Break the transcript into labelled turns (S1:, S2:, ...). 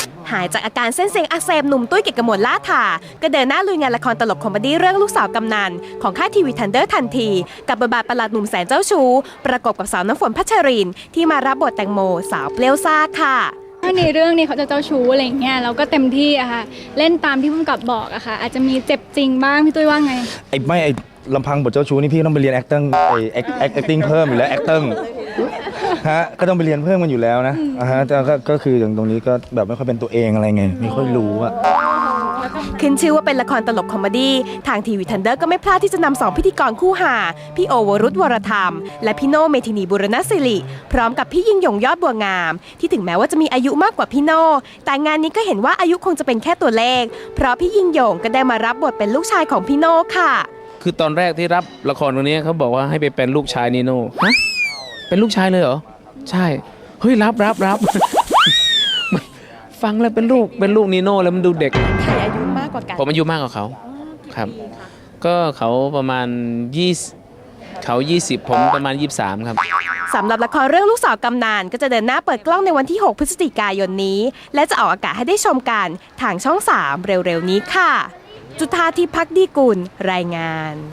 S1: หายจากอาการเส้นเสียงอักเสบหนุ่มตุ้ยเกียรติกมลล่าถาก็เดินหน้าลุยงานละครตลกคอมเมดี้เรื่องลูกสาวกำนันของค่ายทีวีทันเดอร์ทันทีกับบทบาทประหลาดหนุ่มแสนเจ้าชู้ประกบกับสาวน้ำฝนพัชรินที่มารับบทแตงโมสาวเปรี้ยวซ่าค่ะ
S2: ถ้าในเรื่องนี้เขาจะเจ้าชู้อะไรอย่างเงี้ยเราก็เต็มที่อะค่ะเล่นตามที่ผู้กำกับบอกอะค่ะอาจจะมีเจ็บจริงบ้างพี่ตุ้ยว่าไง
S3: ไอ้ลำพังบทเจ้าชู้นี่พี่ต้องไปเรียน acting acting เพิ่มอยู่แล้ว acting ฮะก็ต้องไปเรียนเพิ่มกันอยู่แล้วนะฮะแต่ก็คืออย่างตรงนี้ก็แบบไม่ค่อยเป็นตัวเองอะไรไงไม่ค่อยรู้อะ
S1: ขึ้นชื่อว่าเป็นละครตลกคอมเมดี้ทางทีวีทันเดอร์ก็ไม่พลาดที่จะนำสองพิธีกรคู่หาพี่โอวรุธวรธรรมและพี่โน่เมธินีบุรณศิริพร้อมกับพี่ยิ่งยงยอดบัวงามที่ถึงแม้ว่าจะมีอายุมากกว่าพี่โน่แต่งานนี้ก็เห็นว่าอายุคงจะเป็นแค่ตัวเลขเพราะพี่ยิ่งยงก็ได้มารับบทเป็นลูกชายของพี่โน่ค่ะ
S4: คือตอนแรกที่รับละครตรงนี้เขาบอกว่าให้ไปเป็นลูกชายนีโน่ฮะเป็นลูกชายเลยเหรอใช่เฮ้ยรับ ฟังแล้วเป็นลูกนีโน่แล้วมันดูเด็ก
S1: ใครอายุมากกว่ากัน
S4: ผมอายุมากกว่าเขาครับก็เขาประมาณ20เขา20ผมประมาณ23ครับ
S1: สำหรับละครเรื่องลูกสาวกำนันก็จะเดินหน้าเปิดกล้องในวันที่6 พฤศจิกายนนี้และจะออกอากาศให้ได้ชมกันทางช่อง 3เร็วๆนี้ค่ะจุฑาทิพย์ ภักดีกุลรายงาน